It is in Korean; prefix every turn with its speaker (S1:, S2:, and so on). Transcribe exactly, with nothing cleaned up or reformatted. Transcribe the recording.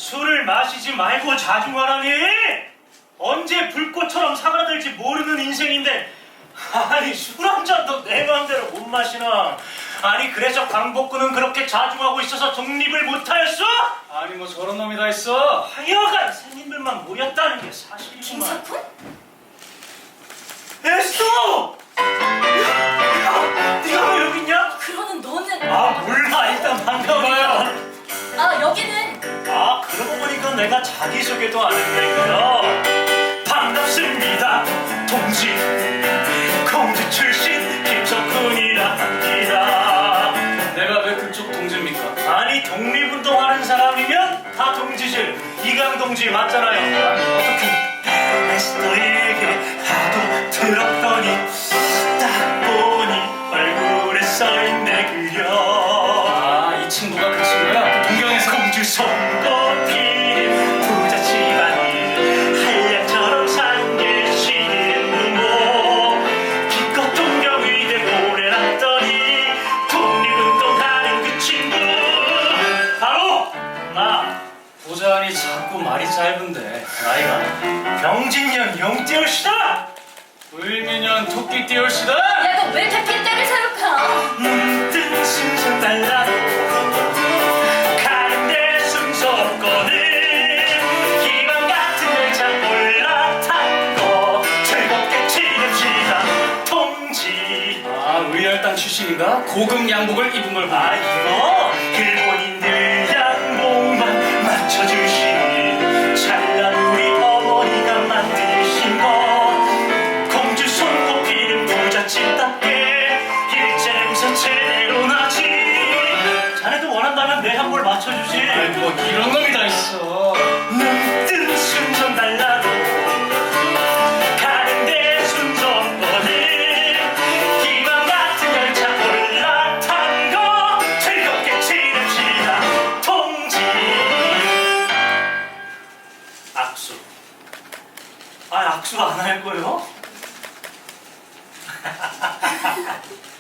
S1: 술을 마시지 말고 자중하라니! 언제 불꽃처럼 사그라들지 모르는 인생인데 아니 술 한 잔도 내 마음대로 못 마시나? 아니 그래서 광복군은 그렇게 자중하고 있어서 독립을 못하였어?
S2: 아니 뭐 저런 놈이 다 있어.
S1: 하여간 생님들만 모였다는 게 사실이구만.
S3: 김석훈?
S1: 에스토! 야, 네가 왜 여기 있냐?
S3: 그러는 너는
S1: 아 몰라 일단 반가우니까.
S3: 아 여기는
S1: 아 그러고 보니까 내가 자기소개도 안 했네요. 반갑습니다 동지 공주 출신 김석훈이라 합니다.
S2: 내가 왜 그쪽 동지입니까?
S1: 아니 독립운동하는 사람이면 다 동지지. 이강 동지 맞잖아요. 어떻게 에스토에게 하도 들었더니 딱 보니 얼굴에 써있네 그려.
S2: 아, 이 친구가 그 친구야? 동경에서.
S1: 공주 손꼽힌 부자 집안일 한량처럼 산 게 신의 모 기껏 동경의대 오래 났더니 독립운동하는 그 친구 바로 나.
S2: 보자하니 자꾸 말이 짧은데.
S1: 나이가 병진년 용띠올시다.
S2: 을미년 토끼 띠올시다.
S3: 야 너 왜 이렇게 핏대를 세울까?
S1: 문득 순서 달라 가는데 순서 없거든. 기방 같은 열차 올라탄 거 즐겁게 치릅시다 동지.
S2: 아, 의열당 출신인가? 고급 양복을 입은 걸
S1: 아
S2: 봐.
S1: 이거 일본인들 양복만 맞춰주신 찬란 우리 어머니가 만드신 거 공주 손꼽히는 부잣집답게 일제 냄새 제대로 나지. 자네도 원한다면 내 한벌 맞춰주지.
S2: 아이, 뭐 이런 놈이 다 있어.
S1: 눈뜬 순서 달라도 가는데 순서 없거든. 기방 같은 열차 올라탄 거 즐겁게 치릅시다 동지. 악수. 아 악수 안 할 거요?